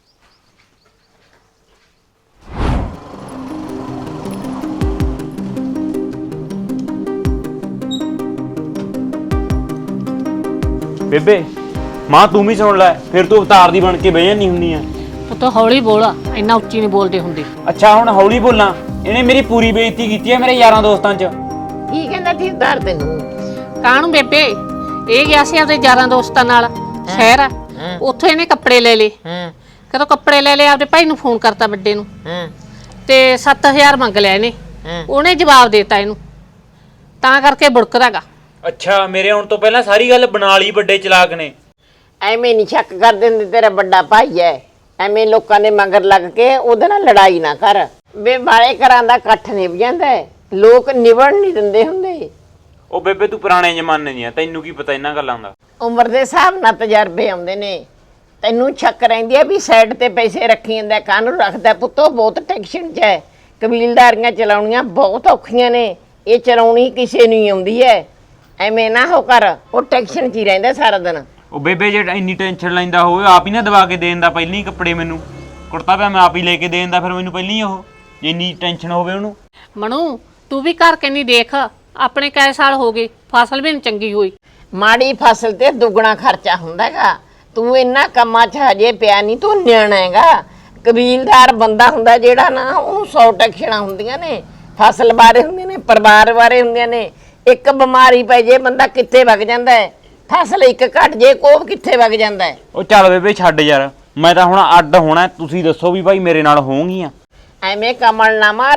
ਬੇਬੇ ਮਾਂ ਤੂੰ ਵੀ ਸੁਣ ਲੈ, ਫਿਰ ਤੂੰ ਅਵਤਾਰ ਦੀ ਬਣ ਕੇ ਬਹਿ ਜਾਂਦੀ ਹੁੰਦੀ ਆ। ਪੁੱਤ ਹੌਲੀ ਬੋਲ, ਇੰਨਾ ਉੱਚੀ ਨਹੀਂ ਬੋਲਦੇ ਹੁੰਦੇ। ਅੱਛਾ ਹੁਣ ਹੌਲੀ ਬੋਲਾਂ? ਇਹਨੇ ਮੇਰੀ ਪੂਰੀ ਬੇਇੱਜ਼ਤੀ ਕੀਤੀ ਹੈ ਮੇਰੇ ਯਾਰਾਂ ਦੋਸਤਾਂ 'ਚ। ਕੀ ਕਹਿੰਦਾ ਸੀ ਉਧਾਰ ਤੈਨੂੰ? ਕਾਹਨੂੰ ਬੇਬੇ, ਇਹ ਗਿਆ ਸੀ ਆਪਦੇ ਯਾਰਾਂ ਦੋਸਤਾਂ ਨਾਲ ਸ਼ਹਿਰ ਆ, ਉੱਥੋਂ ਇਹਨੇ ਕੱਪੜੇ ਲੈ ਲਏ। ਕਦੋਂ ਕੱਪੜੇ ਲੈ ਲਏ, ਆਪਦੇ ਭਾਈ ਨੂੰ ਫੋਨ ਕਰਤਾ ਵੱਡੇ ਨੂੰ, ਤੇ 7000 ਮੰਗ ਲਿਆ ਇਹਨੇ। ਉਹਨੇ ਜਵਾਬ ਦੇਤਾ ਇਹਨੂੰ, ਤਾਂ ਕਰਕੇ ਬੁੜਕਦਾਗਾ। ਅੱਛਾ ਮੇਰੇ ਆਉਣ ਤੋਂ ਪਹਿਲਾਂ ਸਾਰੀ ਗੱਲ ਬਣਾ ਲਈ ਵੱਡੇ ਚਲਾਕ ਨੇ। ਐਵੇਂ ਨਹੀਂ ਸ਼ੱਕ ਕਰ ਦਿੰਦੇ, ਤੇਰਾ ਵੱਡਾ ਭਾਈ ਹੈ। ਐਵੇਂ ਲੋਕਾਂ ਦੇ ਮਗਰ ਲੱਗ ਕੇ ਉਹਦੇ ਨਾਲ ਲੜਾਈ ਨਾ ਕਰ। ਵੇ ਬਾਲੇ ਘਰਾਂ ਦਾ ਇਕੱਠ ਨਿਭ ਜਾਂਦਾ ਹੈ, ਲੋਕ ਨਿਭਣ ਨਹੀਂ ਦਿੰਦੇ ਹੁੰਦੇ। ਉਹ ਬੇਬੇ ਤੂੰ ਪੁਰਾਣੇ ਜ਼ਮਾਨੇ ਦੀ ਆ, ਤੈਨੂੰ ਕੀ ਪਤਾ ਇਹਨਾਂ ਗੱਲਾਂ ਦਾ। ਉਮਰ ਦੇ ਹਿਸਾਬ ਨਾਲ ਤਜਰਬੇ ਆਉਂਦੇ ਨੇ। ਤੈਨੂੰ ਸ਼ੱਕ ਰਹਿੰਦੀ ਹੈ ਵੀ ਸਾਈਡ ਤੇ ਪੈਸੇ ਰੱਖੀ ਜਾਂਦਾ, ਕਾਹਨੂੰ ਰੱਖਦਾ ਪੁੱਤੋ? ਬਹੁਤ ਟੈਨਸ਼ਨ 'ਚ ਹੈ। ਕਬੀਲਦਾਰੀਆਂ ਚਲਾਉਣੀਆਂ ਬਹੁਤ ਔਖੀਆਂ ਨੇ, ਇਹ ਚਲਾਉਣੀ ਕਿਸੇ ਨੂੰ ਹੀ ਆਉਂਦੀ ਹੈ। ਐਵੇਂ ਨਾ ਹੋ ਕਰ, ਉਹ ਟੈਨਸ਼ਨ 'ਚ ਹੀ ਰਹਿੰਦਾ ਸਾਰਾ ਦਿਨ। ਉਹ ਬੇਬੇ ਜੇ ਇੰਨੀ ਟੈਨਸ਼ਨ ਲੈਂਦਾ ਹੋਵੇ ਆਪ ਹੀ ਨਾ ਦਵਾ ਕੇ ਦੇਣ ਦਾ, ਪਹਿਲਾਂ ਹੀ ਕੱਪੜੇ ਮੈਨੂੰ ਕੁੜਤਾ ਪਿਆ ਮੈਂ ਆਪ ਹੀ ਲੈ ਕੇ ਦੇਣ ਦਾ, ਫਿਰ ਮੈਨੂੰ ਪਹਿਲਾਂ ਹੀ ਉਹ ਜੇ ਇੰਨੀ ਟੈਨਸ਼ਨ ਹੋਵੇ ਉਹਨੂੰ। ਮਨੂ ਤੂੰ ਵੀ ਘਰ ਕੇ ਨਹੀਂ ਦੇਖ, ਆਪਣੇ ਕਈ ਸਾਲ ਹੋ ਗਏ ਫਸਲ ਵੀ ਨਹੀਂ ਚੰਗੀ ਹੋਈ। ਮਾੜੀ ਫਸਲ ਤੇ ਦੁੱਗਣਾ ਖਰਚਾ ਹੁੰਦਾ ਹੈਗਾ। ਤੂੰ ਇੰਨਾ ਕੰਮਾਂ 'ਚ ਹਜੇ ਪਿਆ ਨਹੀਂ, ਤੂੰ ਨਿਆਣਾ ਹੈਗਾ। ਕਬੀਲਦਾਰ ਬੰਦਾ ਹੁੰਦਾ ਜਿਹੜਾ ਨਾ, ਉਹਨੂੰ 100 ਟੈਨਸ਼ਨਾਂ ਹੁੰਦੀਆਂ ਨੇ, ਫਸਲ ਬਾਰੇ ਹੁੰਦੀਆਂ ਨੇ, ਪਰਿਵਾਰ ਬਾਰੇ ਹੁੰਦੀਆਂ ਨੇ। ਇੱਕ ਬਿਮਾਰੀ ਪੈ ਜੇ ਬੰਦਾ ਕਿੱਥੇ ਵਗ ਜਾਂਦਾ ਹੈ, ਫਸਲ ਇੱਕ ਘਟ ਜੇ ਕੋਹ ਕਿੱਥੇ ਵਗ ਜਾਂਦਾ ਹੈ। ਉਹ ਚੱਲ ਬੇਬੇ ਛੱਡ ਯਾਰ, ਮੈਂ ਤਾਂ ਹੁਣ ਅੱਡ ਹੋਣਾ, ਤੁਸੀਂ ਦੱਸੋ ਵੀ ਭਾਈ ਮੇਰੇ ਨਾਲ ਹੋਣਗੀਆਂ? ਐਵੇਂ ਕਮਲ ਨਾ ਮਾਰ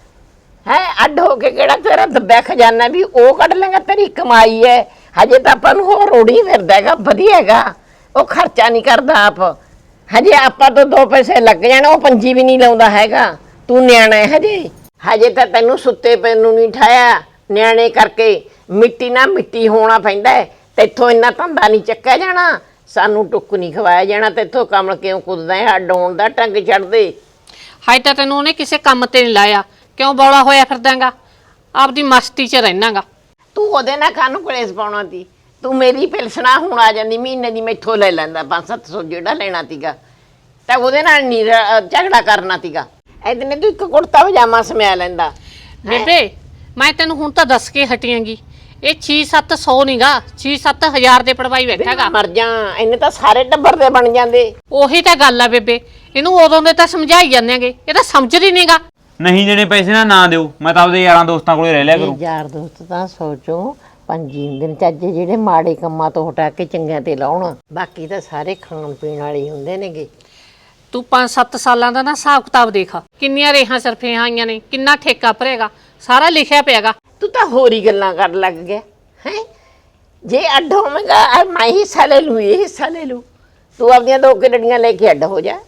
ਹੈ, ਅੱਡ ਹੋ ਕੇ ਕਿਹੜਾ ਤੇਰਾ ਦੱਬਿਆ ਖਜ਼ਾਨਾ ਵੀ ਉਹ ਕੱਢ ਲੇਗਾ, ਤੇਰੀ ਕਮਾਈ ਹੈ। ਹਜੇ ਤਾਂ ਆਪਾਂ ਨੂੰ ਹੋਰ ਰੋੜੀ ਫਿਰਦਾ ਹੈਗਾ, ਵਧੀਆ ਹੈਗਾ, ਉਹ ਖਰਚਾ ਨਹੀਂ ਕਰਦਾ ਆਪ। ਹਜੇ ਆਪਾਂ ਤੋਂ 2 ਪੈਸੇ ਲੱਗ ਜਾਣ, ਉਹ ਪੰਜੀ ਵੀ ਨਹੀਂ ਲਾਉਂਦਾ ਹੈਗਾ। ਤੂੰ ਨਿਆਣਾ ਹੈ ਹਜੇ ਤਾਂ ਤੈਨੂੰ ਸੁੱਤੇ ਪੈ ਨੂੰ ਨਹੀਂ ਠਾਇਆ। ਨਿਆਣੇ ਕਰਕੇ ਮਿੱਟੀ ਨਾ ਮਿੱਟੀ ਹੋਣਾ ਪੈਂਦਾ ਹੈ। ਤੈਥੋਂ ਇੰਨਾ ਧੰਦਾ ਨਹੀਂ ਚੱਕਿਆ ਜਾਣਾ, ਸਾਨੂੰ ਟੁੱਕ ਨਹੀਂ ਖਵਾਇਆ ਜਾਣਾ। ਤੈਥੋਂ ਕਮਲ ਕਿਉਂ ਕੁੱਦਦਾ ਹੈ? ਅੱਡ ਹੋਣ ਦਾ ਟੰਗ ਛੱਡ ਦੇ। ਹਾਏ ਤਾਂ ਤੈਨੂੰ ਉਹਨੇ ਕਿਸੇ ਕੰਮ ਤੇ ਨਹੀਂ ਲਾਇਆ, ਕਿਉਂ ਬੌਲਾ ਹੋਇਆ ਫਿਰਦਾਗਾ? ਆਪਦੀ ਮਸਤੀ 'ਚ ਰਹਿਣਾਗਾ ਤੂੰ। ਉਹਦੇ ਨਾਲ ਕਾਹਨੂੰ ਕਲੇਸ਼ ਪਾਉਣਾ ਤੀ? ਤੂੰ ਮੇਰੀ ਪਿਲਸਣਾ ਹੁਣ ਆ ਜਾਂਦੀ ਮਹੀਨੇ ਦੀ, ਮੈਥੋਂ ਲੈ ਲੈਂਦਾ 500-700 ਜਿਹੜਾ ਲੈਣਾ ਤੀਗਾ, ਤਾਂ ਉਹਦੇ ਨਾਲ ਨਹੀਂ ਝਗੜਾ ਕਰਨਾ ਤੀਗਾ। ਇਹਦਨੇ ਤੂੰ ਇੱਕ ਕੁੜਤਾ ਪਜਾਮਾ ਸਮਿਆ ਲੈਂਦਾ। ਬੇਬੇ ਮੈਂ ਤੈਨੂੰ ਹੁਣ ਤਾਂ ਦੱਸ ਕੇ ਹਟੀਆਂਗੀ, ਇਹ 6-700 ਨਹੀਂਗਾ, 6-7 ਹਜ਼ਾਰ ਦੇ ਪੜਵਾਈ ਬੈਠਾਗਾ। ਮਰ ਜਾ, ਇਹਨੇ ਤਾਂ ਸਾਰੇ ਟੱਬਰ ਦੇ ਬਣ ਜਾਂਦੇ। ਉਹੀ ਤਾਂ ਗੱਲ ਆ ਬੇਬੇ, ਇਹਨੂੰ ਉਦੋਂ ਦੇ ਤਾਂ ਸਮਝਾਈ ਜਾਂਦੇਗੇ, ਇਹ ਤਾਂ ਸਮਝਦੀ ਨਹੀਂਗਾ। ਨਹੀਂ ਦੇਣੇ ਪੈਸੇ ਨਾ ਦਿਓ, ਮੈਂ ਤਾਂ ਆਪਦੇ ਯਾਰਾਂ ਦੋਸਤਾਂ ਕੋਲੇ ਰਹਿ ਲਿਆ ਕਰੂੰ। ਯਾਰ ਦੋਸਤ ਤਾਂ ਸੋਚੋ ਪੰਜੀ ਦਿਨ ਚੱਜੇ ਜਿਹੜੇ ਮਾੜੇ ਕੰਮਾਂ ਤੋਂ ਹਟਾ ਕੇ ਚੰਗਿਆਂ ਤੇ ਲਾਉਣ, ਬਾਕੀ ਤਾਂ ਸਾਰੇ ਖਾਣ ਪੀਣ ਵਾਲੇ ਹੀ ਹੁੰਦੇ ਨੇਗੇ। ਤੂੰ 5-7 ਸਾਲਾਂ ਦਾ ਨਾ ਹਿਸਾਬ ਕਿਤਾਬ ਦੇਖ, ਕਿੰਨੀਆਂ ਰੇਹਾਂ ਸਰਫੀਆਂ ਆਈਆਂ ਨੇ, ਕਿੰਨਾ ਠੇਕਾ ਭਰੇਗਾ, ਸਾਰਾ ਲਿਖਿਆ ਪਿਆਗਾ। ਤੂੰ ਤਾਂ ਹੋਰ ਹੀ ਗੱਲਾਂ ਕਰਨ ਲੱਗ ਗਿਆ ਹੈ। ਜੇ ਅੱਡ ਹੋਵੇਂਗਾ ਮੈਂ ਹਿੱਸਾ ਲੈ ਲੂ, ਇਹ ਹਿੱਸਾ ਲੈ ਲੂ। ਤੂੰ ਆਪਣੀਆਂ 2 ਕਿੱਲੜੀਆਂ ਲੈ ਕੇ ਅੱਡ ਹੋ ਜਾ।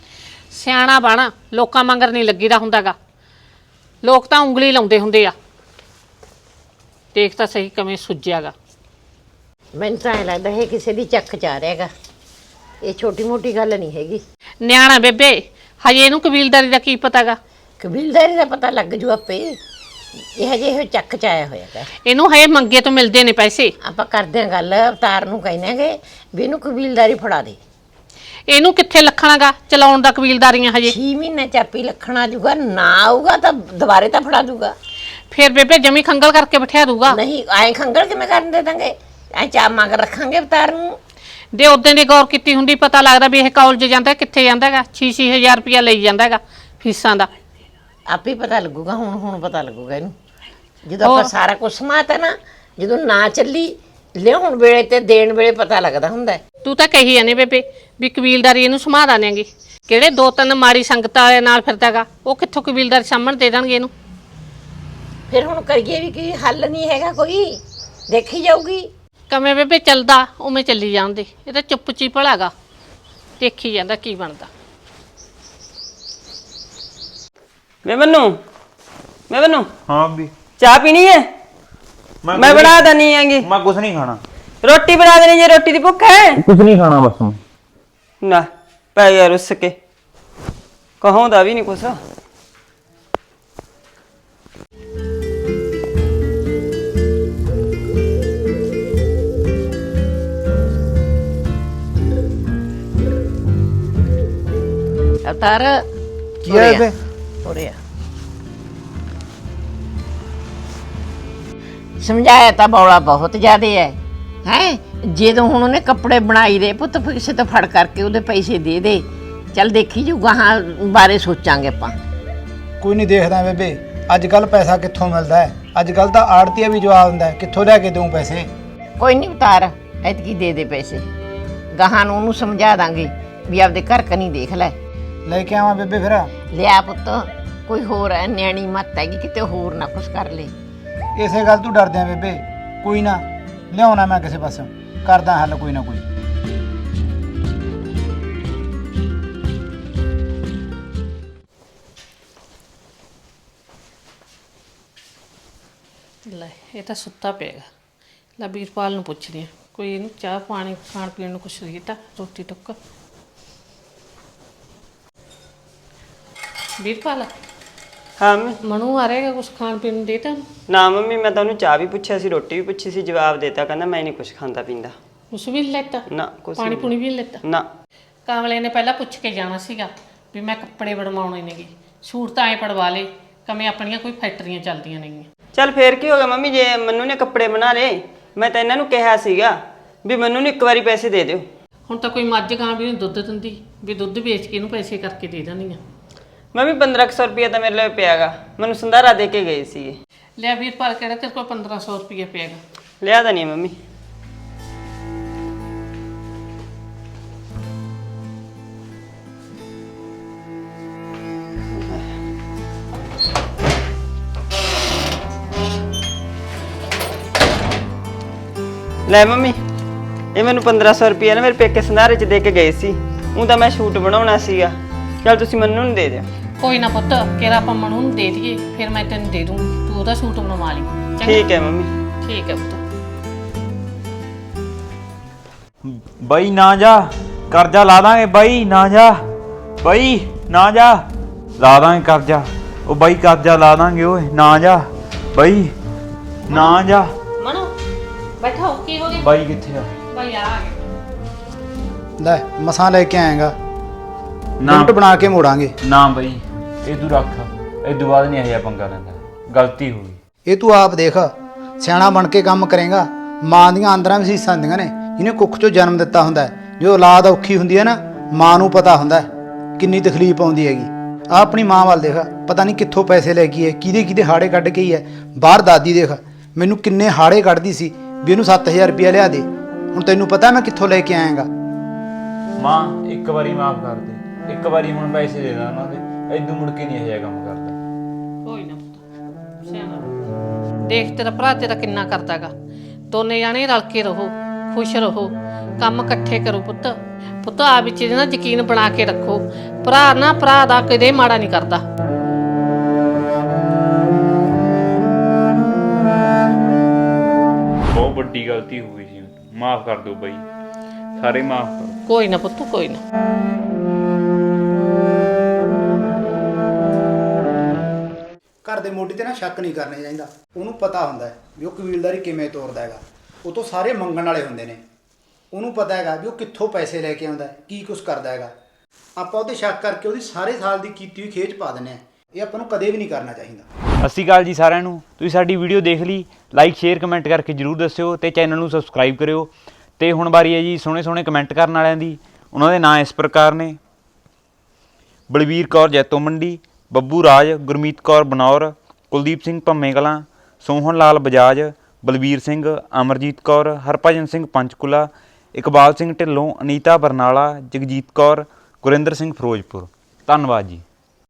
ਸਿਆਣਾ ਬਣ, ਲੋਕਾਂ ਮੰਗਰ ਨਹੀਂ ਲੱਗੀਦਾ ਹੁੰਦਾਗਾ, ਲੋਕ ਤਾਂ ਉਂਗਲੀ ਲਾਉਂਦੇ ਹੁੰਦੇ ਆ। ਦੇਖ ਤਾਂ ਸਹੀ ਕਿਵੇਂ ਸੁੱਜਿਆਗਾ। ਮੈਨੂੰ ਤਾਂ ਐਂ ਲੱਗਦਾ ਇਹ ਕਿਸੇ ਦੀ ਚੱਕ ਚਾ ਰਿਹਾ ਹੈਗਾ, ਇਹ ਛੋਟੀ ਮੋਟੀ ਗੱਲ ਨਹੀਂ ਹੈਗੀ। ਨਿਆਣਾ ਬੇਬੇ, ਹਜੇ ਇਹਨੂੰ ਕਬੀਲਦਾਰੀ ਦਾ ਕੀ ਪਤਾਗਾ? ਕਬੀਲਦਾਰੀ ਦਾ ਪਤਾ ਲੱਗ ਜੂ ਆਪੇ। ਇਹ ਹਜੇ ਇਹ ਚੱਕ ਚ ਆਇਆ ਹੋਇਆ ਹੈਗਾ। ਇਹਨੂੰ ਹਜੇ ਮੰਗੇ ਤੋਂ ਮਿਲਦੇ ਨੇ ਪੈਸੇ। ਆਪਾਂ ਕਰਦੇ ਹਾਂ ਗੱਲ, ਅਵਤਾਰ ਨੂੰ ਕਹਿੰਦੇ ਵੀ ਇਹਨੂੰ ਕਬੀਲਦਾਰੀ ਫੜਾ ਦੇ। ਇਹਨੂੰ ਕਿੱਥੇ ਲੱਖਣਾਗਾ ਚਲਾਉਣ ਦਾ ਕਬੀਲਦਾਰੀਆਂ ਹਜੇ। 6 ਮਹੀਨੇ ਚਾਪੀ ਲੱਖਣਾ ਜੂਗਾ, ਨਾ ਆਊਗਾ ਤਾਂ ਦੁਬਾਰੇ ਤਾਂ ਫੜਾ ਦੂਗਾ। ਫਿਰ ਬੇਬੇ ਜਮੀ ਖੰਗਲ ਕਰਕੇ ਬਿਠਾ ਦੂਗਾ। ਨਹੀਂ ਐਂ ਖੰਗਲ ਕਿਵੇਂ ਕਰਨ ਦੇ ਦਾਂਗੇ, ਐਂ ਚਾਪ ਮੰਗ ਰੱਖਾਂਗੇ ਅਵਤਾਰ ਨੂੰ। ਦੇ ਉਦੋਂ ਦੀ ਗੌਰ ਕੀਤੀ ਹੁੰਦੀ, ਪਤਾ ਲੱਗਦਾ ਵੀ ਇਹ ਕਾਲਜ ਜਾਂਦਾ ਕਿੱਥੇ ਜਾਂਦਾਗਾ। 6-6 ਹਜ਼ਾਰ ਰੁਪਇਆ ਲਈ ਜਾਂਦਾਗਾ ਫੀਸਾਂ ਦਾ। ਆਪੇ ਪਤਾ ਲੱਗੂਗਾ, ਹੁਣ ਪਤਾ ਲੱਗੂਗਾ ਇਹਨੂੰ, ਜਦੋਂ ਆਪਾਂ ਸਾਰਾ ਕੁਝ ਸਮਾਤਾ ਨਾ। ਜਦੋਂ ਨਾ ਚੱਲੀ ਲਿਆਉਣ ਵੇਲੇ ਤੇ ਦੇਣ ਵੇਲੇ ਪਤਾ ਲੱਗਦਾ ਹੁੰਦਾ। ਤੂੰ ਤਾਂ ਕਹੀ ਜਾਂਦੀ ਬੇਬੇ ਵੀ ਕਬੀਲਦਾਰੀ ਇਹਨੂੰ ਸਮਾ ਦਾਂਗੇ। ਕਿਹੜੇ 2-3 ਮਾੜੀ ਸੰਗਤ ਵਾਲੇ ਨਾਲ ਫਿਰਦਾਗਾ, ਉਹ ਕਿੱਥੋਂ ਕਬੀਲਦਾਰ ਸਾਹਮਣ ਦੇ ਦੇਣਗੇ ਇਹਨੂੰ। ਫਿਰ ਹੁਣ ਕਰੀਏ ਵੀ ਕੀ, ਹੱਲ ਨਹੀਂ ਹੈਗਾ ਕੋਈ, ਦੇਖੀ ਜਾਊਗੀ। ਕਮੇ ਬੇਬੇ ਚੱਲਦਾ ਉਵੇਂ ਚੱਲੀ ਜਾਂਦੇ, ਇਹ ਤਾਂ ਚੁੱਪ ਚੀ ਭਲਾਗਾ, ਦੇਖੀ ਜਾਂਦਾ ਕੀ ਬਣਦਾ। ਮੈਂ ਮੈਨੂੰ ਹਾਂ ਵੀ ਚਾਹ ਪੀਣੀ ਹੈ? ਮੈਂ ਬਣਾ ਦਨੀ ਆਂਗੀ। ਮੈਂ ਕੁਝ ਨਹੀਂ ਖਾਣਾ। ਰੋਟੀ ਬਣਾ ਦੇਣੀ ਜੇ ਰੋਟੀ ਦੀ ਭੁੱਖ ਹੈ। ਕੁਝ ਨਹੀਂ ਖਾਣਾ ਬਸ। ਨਾ ਪੈ ਗਿਆ ਰੁੱਸ ਕੇ, ਕਹਾਉਂਦਾ ਵੀ ਨਹੀਂ ਕੁਛ। ਅਵਤਾਰ ਕੀ ਹੈ ਬੇ? ਉਰੇ ਆ। ਸਮਝਾਇਆ ਤਾਂ ਬੌਲਾ ਬਹੁਤ ਜ਼ਿਆਦੇ ਹੈ ਜਦੋਂ ਹੁਣ ਉਹਨੇ ਕੱਪੜੇ ਬਣਾਈ ਦੇ ਪੁੱਤ, ਫਿਰ ਕਿਸੇ ਤੋਂ ਫੜ ਕਰਕੇ ਉਹਦੇ ਪੈਸੇ ਦੇ ਦੇ। ਚੱਲ ਦੇਖੀ ਜੂ ਗਾਹਾਂ ਬਾਰੇ ਸੋਚਾਂਗੇ ਆਪਾਂ। ਕੋਈ ਨਹੀਂ ਦੇਖਦਾ ਬੇਬੇ, ਅੱਜ ਕੱਲ ਪੈਸਾ ਕਿੱਥੋਂ ਮਿਲਦਾ ਹੈ? ਅੱਜ ਕੱਲ ਤਾਂ ਆੜਤੀਆ ਵੀ ਜਵਾਬ ਦਿੰਦਾ ਹੈ, ਕਿੱਥੋਂ ਲੈ ਕੇ ਦਊਂ ਪੈਸੇ? ਕੋਈ ਨਹੀਂ ਉਤਾਰ, ਐਤਕੀ ਦੇ ਦੇ ਪੈਸੇ, ਗਾਹਾਂ ਨੂੰ ਉਹਨੂੰ ਸਮਝਾ ਦਾਂਗੇ ਵੀ ਆਪਦੇ ਘਰ ਕਨੀ ਦੇਖ ਲੈ ਲੈ ਕੇ ਆਵਾਂ ਬੇਬੇ ਫਿਰ? ਲਿਆ ਪੁੱਤ, ਕੋਈ ਹੋਰ ਹੈ ਨਿਆਣੀ ਮੱਤ ਹੈਗੀ, ਕਿਤੇ ਹੋਰ ਨਾ ਕੁਛ ਕਰ ਲੈ। ਇਸੇ ਗੱਲ ਤੂੰ ਡਰਦੇ ਆ ਬੇਬੇ? ਕੋਈ ਨਾ, ਲਿਆਉਣਾ ਮੈਂ ਕਿਸੇ ਪਾਸੋਂ, ਕਰਦਾ ਹੱਲ ਕੋਈ ਨਾ ਕੋਈ। ਲੈ ਇਹ ਤਾਂ ਸੁੱਤਾ ਪਿਆਗਾ। ਲੈ ਵੀਰਪਾਲ ਨੂੰ ਪੁੱਛਦੀ ਆ, ਕੋਈ ਇਹਨੂੰ ਚਾਹ ਪਾਣੀ ਖਾਣ ਪੀਣ ਨੂੰ ਕੁਛ ਦਿੱਤਾ, ਰੋਟੀ ਟੁੱਕ। ਵੀਰਪਾਲ ਹਾਂ ਮੰਮੀ। ਮਨੂ ਆ ਰਹੇਗਾ, ਕੁਛ ਖਾਣ ਪੀਣ ਨੂੰ ਦੇਤਾ? ਨਾ ਮੰਮੀ, ਮੈਂ ਤਾਂ ਉਹਨੂੰ ਚਾਹ ਵੀ ਪੁੱਛਿਆ ਸੀ, ਰੋਟੀ ਵੀ ਪੁੱਛੀ ਸੀ, ਜਵਾਬ ਦੇਤਾ, ਕਹਿੰਦਾ ਮੈਂ ਨਹੀਂ ਕੁਛ ਖਾਂਦਾ ਪੀਂਦਾ। ਕੁਛ ਵੀ ਨਹੀਂ ਲੈਤਾ? ਨਾ ਕੁਛ ਪਾਣੀ ਨਹੀਂ। ਪੂਣੀ ਵੀ ਨਹੀਂ ਲੈਤਾ? ਨਾ। ਕਾਮਲੇ ਨੇ ਪਹਿਲਾਂ ਪੁੱਛ ਕੇ ਜਾਣਾ ਸੀਗਾ ਵੀ ਮੈਂ ਕੱਪੜੇ ਬਣਵਾਉਣੇ ਨੇਗੇ, ਸੂਟ ਤਾਂ ਐ ਪੜਵਾ ਲੇ, ਕਮੇ ਆਪਣੀਆਂ ਕੋਈ ਫੈਕਟਰੀਆਂ ਚੱਲਦੀਆਂ ਨੇਗੀਆਂ। ਚੱਲ ਫੇਰ ਕੀ ਹੋ ਗਿਆ ਮੰਮੀ, ਜੇ ਮੰਨੂ ਨੇ ਕੱਪੜੇ ਬਣਾ ਲਏ, ਮੈਂ ਤਾਂ ਇਹਨਾਂ ਨੂੰ ਕਿਹਾ ਸੀਗਾ ਵੀ ਮੰਨੂ ਨੂੰ ਇੱਕ ਵਾਰੀ ਪੈਸੇ ਦੇ ਦਿਓ। ਹੁਣ ਤਾਂ ਕੋਈ ਮੱਝ ਗਾਂ ਵੀ ਨਹੀਂ ਦੁੱਧ ਦਿੰਦੀ ਵੀ ਦੁੱਧ ਵੇਚ ਕੇ ਇਹਨੂੰ ਪੈਸੇ ਕਰਕੇ ਦੇ ਦਿੰਦੀਆਂ। ਮੰਮੀ 1500 ਰੁਪਇਆ ਤਾਂ ਮੇਰੇ ਲਈ ਪਿਆਗਾ, ਮੈਨੂੰ ਸੰਧਾਰਾ ਦੇ ਕੇ ਗਏ ਸੀਗੇ। ਲਿਆ ਵੀਰਪਾਲ, ਕਿਹੜਾ ਤੇਰੇ ਕੋਲ 1500 ਰੁਪਇਆ ਪਿਆਗਾ? ਲਿਆ ਤਾਂ ਨਹੀਂ ਮੰਮੀ। ਲੈ ਮੰਮੀ, ਇਹ ਮੈਨੂੰ 1500 ਰੁਪਇਆ ਨਾ ਮੇਰੇ ਪੇਕੇ ਸੰਧਾਰੇ 'ਚ ਦੇ ਕੇ ਗਏ ਸੀ। ਉਹ ਤਾਂ ਮੈਂ ਸ਼ੂਟ ਬਣਾਉਣਾ ਸੀਗਾ, ਚਲ ਤੁਸੀਂ ਮੰਨੂ ਨੂੰ ਦੇ ਦਿਓ। ਕੋਈ ਨਾ ਪੁੱਤ, ਕਿਹੜਾ ਆਪਾਂ ਮਨੂ ਨੂੰ ਦੇ ਦਈਏ, ਫਿਰ ਮੈਂ ਤੈਨੂੰ ਦੇ ਦੂੰਗੀ, ਤੂੰ ਉਹਦਾ ਸੂਟ ਬਣਵਾ ਲਈ। ਚੰਗਾ? ਠੀਕ ਹੈ ਮੰਮੀ। ਠੀਕ ਹੈ ਪੁੱਤ। ਬਾਈ ਨਾ ਜਾ, ਕਰਜ਼ਾ ਲਾ ਦਾਂਗੇ ਬਾਈ, ਨਾ ਜਾ ਬਾਈ, ਨਾ ਜਾ, ਲਾ ਦਾਂਗੇ ਕਰਜ਼ਾ। ਉਹ ਬਾਈ ਕਰਜ਼ਾ ਲਾ ਦਾਂਗੇ, ਓਏ ਨਾ ਜਾ ਬਾਈ, ਨਾ ਜਾ। ਮਨੂ ਬੈਠਾ ਹੋ, ਕੀ ਹੋ ਗਿਆ? ਬਾਈ ਕਿੱਥੇ ਆ? ਭਾਈ ਆ ਗਿਆ। ਲੈ ਮਸਾਂ ਲੈ ਕੇ ਆਏਗਾ, ਨਾ ਲਿਮਟ ਬਣਾ ਕੇ ਮੋੜਾਂਗੇ। ਨਾ ਬਾਈ, ਇਹ ਤੂੰ ਰੱਖ, ਇਹ ਤੋਂ ਬਾਅਦ ਨਹੀਂ ਇਹ ਪੰਗਾ ਲੈਂਦਾ, ਗਲਤੀ ਹੋ ਗਈ। ਇਹ ਤੂੰ ਆਪ ਦੇਖ, ਸਿਆਣਾ ਬਣ ਕੇ ਕੰਮ ਕਰੇਗਾ। ਮਾਂ ਦੀਆਂ ਅੰਦਰਾਂ ਵਿਸੀਸਾਂ ਹੁੰਦੀਆਂ ਨੇ, ਇਹਨੇ ਕੁੱਖ ਚੋਂ ਜਨਮ ਦਿੱਤਾ ਹੁੰਦਾ ਹੈ। ਜੋ ਔਲਾਦ ਔਖੀ ਹੁੰਦੀ ਹੈ ਨਾ, ਮਾਂ ਨੂੰ ਪਤਾ ਹੁੰਦਾ ਹੈ ਕਿੰਨੀ ਤਕਲੀਫ ਆਉਂਦੀ ਹੈਗੀ। ਆ ਆਪਣੀ ਮਾਂ ਵੱਲ ਦੇਖ, ਪਤਾ ਨਹੀਂ ਕਿੱਥੋਂ ਪੈਸੇ ਲੈ ਕੇ ਹੈ, ਕਿਹਦੇ ਹਾੜੇ ਕੱਢ ਕੇ ਹੀ ਹੈ। ਬਾਹਰ ਦਾਦੀ ਦੇਖ ਮੈਨੂੰ ਕਿੰਨੇ ਹਾੜੇ ਕੱਢਦੀ ਸੀ ਵੀ ਇਹਨੂੰ 7000 ਰੁਪਇਆ ਲਿਆ ਦੇ। ਹੁਣ ਤੈਨੂੰ ਪਤਾ ਮੈਂ ਕਿੱਥੋਂ ਲੈ ਕੇ ਆਇਆਗਾ। ਮਾਂ ਇੱਕ ਵਾਰੀ ਮਾਫ ਕਰ ਦੇ, ਇੱਕ ਵਾਰੀ ਹੁਣ ਪੈਸੇ ਦੇ ਦਾਂ ਉਹਨਾਂ ਦੇ, ਐਦੋਂ ਮੁੜ ਕੇ ਨਹੀਂ ਇਹ ਕੰਮ ਕਰਦਾ। ਕੋਈ ਨਾ ਪੁੱਤ, ਸਿਆਣਾ ਦੇਖ, ਤੇਰਾ ਭਰਾ ਤੇਰਾ ਕਿੰਨਾ ਕਰਦਾਗਾ। ਦੋਨੇ ਜਾਣੇ ਰਲ ਕੇ ਰਹੋ, ਖੁਸ਼ ਰਹੋ, ਕੰਮ ਇਕੱਠੇ ਕਰੋ। ਪੁੱਤ ਆ ਵਿੱਚ ਇਹਦੇ ਨਾਲ ਯਕੀਨ ਬਣਾ ਕੇ ਰੱਖੋ, ਭਰਾ ਨਾ ਭਰਾ ਦਾ ਕਦੇ ਮਾੜਾ ਨਹੀਂ ਕਰਦਾ। ਬਹੁਤ ਵੱਡੀ ਗਲਤੀ ਹੋ ਗਈ ਸੀ, ਮਾਫ ਕਰ ਦਿਓ ਬਾਈ, ਸਾਰੇ ਮਾਫ ਕਰ। ਕੋਈ ਨਾ ਪੁੱਤ, ਕੋਈ ਨਾ। ਘਰ ਦੇ ਮੋਢੀ ਤੇ ਨਾ ਸ਼ੱਕ ਨਹੀਂ ਕਰਨਾ ਚਾਹੀਦਾ। ਉਹਨੂੰ ਪਤਾ ਹੁੰਦਾ ਹੈ ਵੀ ਉਹ ਕਬੀਲਦਾਰੀ ਕਿਵੇਂ ਤੋਰਦਾ ਹੈਗਾ। ਉਹ ਤੋਂ ਸਾਰੇ ਮੰਗਣ ਵਾਲੇ ਹੁੰਦੇ ਨੇ। ਉਹਨੂੰ ਪਤਾ ਹੈਗਾ ਵੀ ਉਹ ਕਿੱਥੋਂ ਪੈਸੇ ਲੈ ਕੇ ਆਉਂਦਾ ਹੈ, ਕੀ ਕੁਛ ਕਰਦਾ ਹੈਗਾ। ਆਪਾਂ ਉਹਤੇ ਸ਼ੱਕ ਕਰਕੇ ਉਹਦੀ ਸਾਰੇ ਸਾਲ ਦੀ ਕੀਤੀ ਹੋਈ ਖੇਚ ਪਾ ਦਿੰਦੇ ਆ। ਇਹ ਆਪਾਂ ਨੂੰ ਕਦੇ ਵੀ ਨਹੀਂ ਕਰਨਾ ਚਾਹੀਦਾ। ਸਤਿ ਸ਼੍ਰੀ ਅਕਾਲ ਜੀ ਸਾਰਿਆਂ ਨੂੰ। ਤੁਸੀਂ ਸਾਡੀ ਵੀਡੀਓ ਦੇਖ ਲਈ, ਲਾਈਕ ਸ਼ੇਅਰ ਕਮੈਂਟ ਕਰਕੇ ਜਰੂਰ ਦੱਸਿਓ ਤੇ ਚੈਨਲ ਨੂੰ ਸਬਸਕ੍ਰਾਈਬ ਕਰਿਓ। ਤੇ ਹੁਣ ਵਾਰੀ ਹੈ ਜੀ ਸੋਹਣੇ ਸੋਹਣੇ ਕਮੈਂਟ ਕਰਨ ਵਾਲਿਆਂ ਦੀ। ਉਹਨਾਂ ਦੇ ਨਾਂ ਇਸ ਪ੍ਰਕਾਰ ਨੇ: ਬਲਵੀਰ ਕੌਰ ਜੈਤੋ ਮੰਡੀ, ਬੱਬੂ ਰਾਜ, ਗੁਰਮੀਤ ਕੌਰ ਬਨੌਰ, ਕੁਲਦੀਪ ਸਿੰਘ ਭੰਮੇ ਕਲਾਂ, ਸੋਹਣ ਲਾਲ ਬਜਾਜ, ਬਲਵੀਰ ਸਿੰਘ, ਅਮਰਜੀਤ ਕੌਰ, ਹਰਭਜਨ ਸਿੰਘ ਪੰਚਕੂਲਾ, ਇਕਬਾਲ ਸਿੰਘ ਢਿੱਲੋਂ, ਅਨੀਤਾ ਬਰਨਾਲਾ, ਜਗਜੀਤ ਕੌਰ, ਗੁਰਿੰਦਰ ਸਿੰਘ ਫਿਰੋਜ਼ਪੁਰ। ਧੰਨਵਾਦ ਜੀ।